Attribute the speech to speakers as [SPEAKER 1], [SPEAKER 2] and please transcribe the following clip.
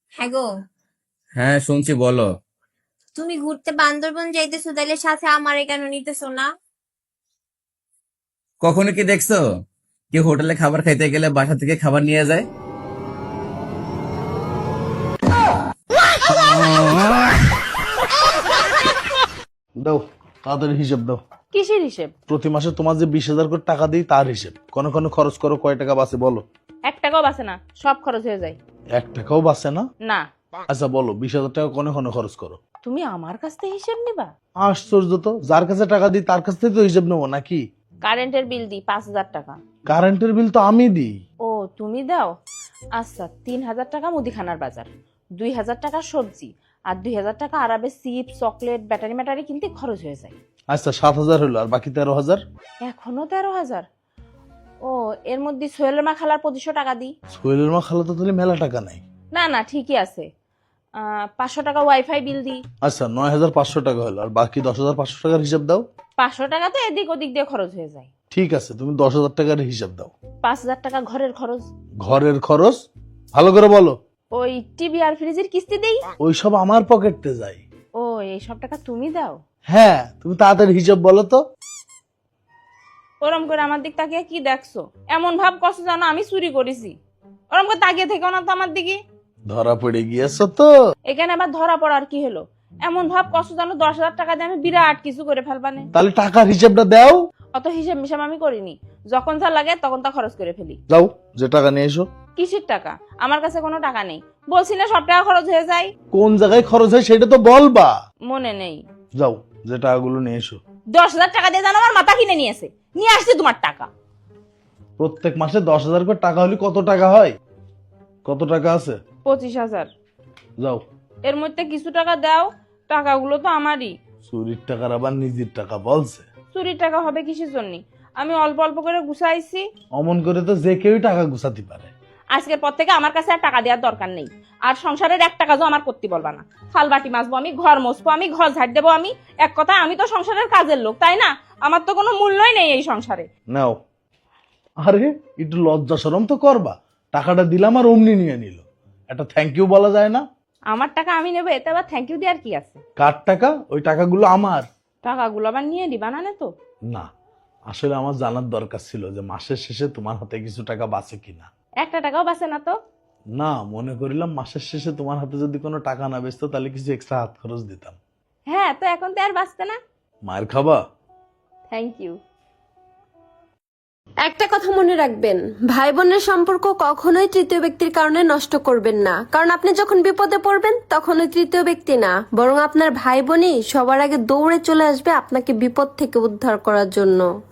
[SPEAKER 1] হ্যাঁ গো।
[SPEAKER 2] হ্যাঁ শুনছি, বলো।
[SPEAKER 1] তুমি ঘুরতে বান্দরবন যাইতেছো, তাইলে সাথে আমারে কেন নিতেছো না?
[SPEAKER 2] কখনো কি দেখছো কেউ হোটেলে খাবার খাইতে গেলে বাসা থেকে খাবার নিয়ে যায়?
[SPEAKER 3] দাও, তাড়াতাড়ি হিসেব দাও।
[SPEAKER 4] কিসের হিসেব?
[SPEAKER 3] প্রতি মাসে তোমার যে 20,000 করে টাকা দিই তার হিসেব। কোন কোন খরচ করো, কয় টাকা বাঁচে বলো।
[SPEAKER 4] 1 টাকাও বাঁচে না, সব খরচ হয়ে যায়।
[SPEAKER 3] 1 টাকাও বাঁচে না?
[SPEAKER 4] না।
[SPEAKER 3] আচ্ছা বলো, 20,000 টাকা কোন কোন খরচ করো।
[SPEAKER 4] তুমি আমার কাছ থেকে হিসেব নিবা?
[SPEAKER 3] আশ্চর্য তো, যার কাছে টাকা দিই তার কাছ থেকে তো হিসেব নেবো নাকি?
[SPEAKER 4] কারেন্টের বিল দিই 5,000 টাকা।
[SPEAKER 3] কারেন্টের বিল তো আমি দিই।
[SPEAKER 4] ও, তুমি দাও? আচ্ছা, 3,000 টাকা মুদিখানার বাজার, 2,000 টাকা সবজি, আর 2,000 টাকা আরাবে চিপস, চকলেট, ব্যাটারি ম্যাটারি কিনতে খরচ হয়ে যায়।
[SPEAKER 3] আচ্ছা 7,000 হলো, আর বাকি 13,000?
[SPEAKER 4] এখনো 13,000? ও, এর মধ্যে সোহেলের মা খালার 2500 টাকা দিই।
[SPEAKER 3] সোহেলের মা খালা তো তাহলে মেলা টাকা নাই।
[SPEAKER 4] না না, ঠিকই আছে। 500 টাকা ওয়াইফাই বিল দিই।
[SPEAKER 3] আচ্ছা 9,500 টাকা হলো, আর বাকি 10,500 টাকার হিসাব দাও।
[SPEAKER 4] 500 টাকা তো এদিক ওদিক দিয়ে খরচ হয়ে যায়।
[SPEAKER 3] ঠিক আছে, তুমি 10,000 টাকার হিসাব দাও।
[SPEAKER 4] 5,000 টাকা ঘরের খরচ।
[SPEAKER 3] ঘরের খরচ ভালো করে বলো।
[SPEAKER 4] ওই টিভি আর ফ্রিজের কিস্তি দেই।
[SPEAKER 3] ওইসব আমার পকেটে যায়।
[SPEAKER 4] ও, এই সব টাকা তুমি দাও?
[SPEAKER 3] হ্যাঁ, তুমি তাড়াতাড়ি হিসাব বলো তো।
[SPEAKER 4] ওরম করে আমার দিক তাকিয়ে কি দেখছো? এমন ভাব করছো জানো আমি চুরি করেছি। ওরম করে তাকিয়ে থেকো না তো আমার দিকে।
[SPEAKER 3] ধরা পড়ে গিয়েছো তো।
[SPEAKER 4] এখানে আবার ধরা পড়ার কি হলো? এমন ভাব করছো জানো 10,000 টাকা দিয়ে আমি বিরাট কিছু করে ফেলবানে।
[SPEAKER 3] তাহলে টাকার হিসাবটা দাও।
[SPEAKER 4] অত হিসেব মিসাব আমি করিনি, যখন যা লাগে তখন তা খরচ করে ফেলি।
[SPEAKER 3] যাও, যে টাকা নিয়ে এসো।
[SPEAKER 4] কিসের টাকা? আমার কাছে কোনো টাকা নেই। বলছি না সব টাকা খরচ হয়ে যায়।
[SPEAKER 3] কোন জায়গায় খরচ হয় সেটা তো বলবা।
[SPEAKER 4] মনে নেই।
[SPEAKER 3] যাও, যে টাকাগুলো নিয়ে এসো।
[SPEAKER 4] 10,000 টাকা দিয়ে জানো আমার মাথা কিনে নিয়েছে, নিয়ে আসছে তোমার টাকা।
[SPEAKER 3] প্রত্যেক মাসে 10,000 করে টাকা হলে কত টাকা হয়? কত টাকা আছে?
[SPEAKER 4] 25,000।
[SPEAKER 3] যাও।
[SPEAKER 4] এর মধ্যে কিছু টাকা দাও, টাকাগুলো তো আমারই।
[SPEAKER 3] চুরির টাকার আবার নিজের টাকা বলছে।
[SPEAKER 4] চুরির টাকা হবে কিসের জন্য? আমি অল্প অল্প করে গুছাইছি।
[SPEAKER 3] অমন করে তো যে কেউই টাকা গুছাতে পারে।
[SPEAKER 4] আজকের পর থেকে আমার কাছে আর টাকা দেওয়ার দরকার নেই। আর সংসারের 1 টাকা আমার করতে বলবা না। থালবাটি মাজবো আমি, ঘর মুছবো আমি, ঘর ঝাড় দেবো আমি। এক কথা, আমি তো সংসারের কাজের লোক, তাই না? আমার তো কোনো মূল্যই নেই এই সংসারে।
[SPEAKER 3] নাও। আরে একটু লজ্জা শরম তো করবা। টাকাটা দিলাম আর অমনি নিয়ে নিল। একটা থ্যাংক ইউ বলা যায় না?
[SPEAKER 4] আমার টাকা আমি নেবো, এতে আবার থ্যাংক ইউ দেওয়ার কি আছে?
[SPEAKER 3] কার টাকা? ওই টাকাগুলো আমার।
[SPEAKER 4] টাকাগুলো আবার নিয়ে দিবা না তো?
[SPEAKER 3] না, আসলে আমার জানার দরকার ছিল যে মাসের শেষে তোমার হাতে কিছু টাকা বাঁচে কিনা।
[SPEAKER 4] 1 টাকাও বাঁচে না তো?
[SPEAKER 3] না, মনে করিলাম মাসের শেষে তোমার হাতে যদি কোনো টাকা না বেচতো তাহলে কিছু এক্সট্রা হাত খরচ দিতাম।
[SPEAKER 4] হ্যাঁ, তো এখন তো আর বাঁচতে না।
[SPEAKER 3] মায়ের খাবা?
[SPEAKER 4] Thank you.
[SPEAKER 5] একটা কথা মনে রাখবেন, ভাই বোনের সম্পর্ক কখনোই তৃতীয় ব্যক্তির কারণে নষ্ট করবেন না। কারণ আপনি যখন বিপদে পড়বেন তখন ওই তৃতীয় ব্যক্তি না, বরং আপনার ভাই বোনই সবার আগে দৌড়ে চলে আসবে আপনাকে বিপদ থেকে উদ্ধার করার জন্য।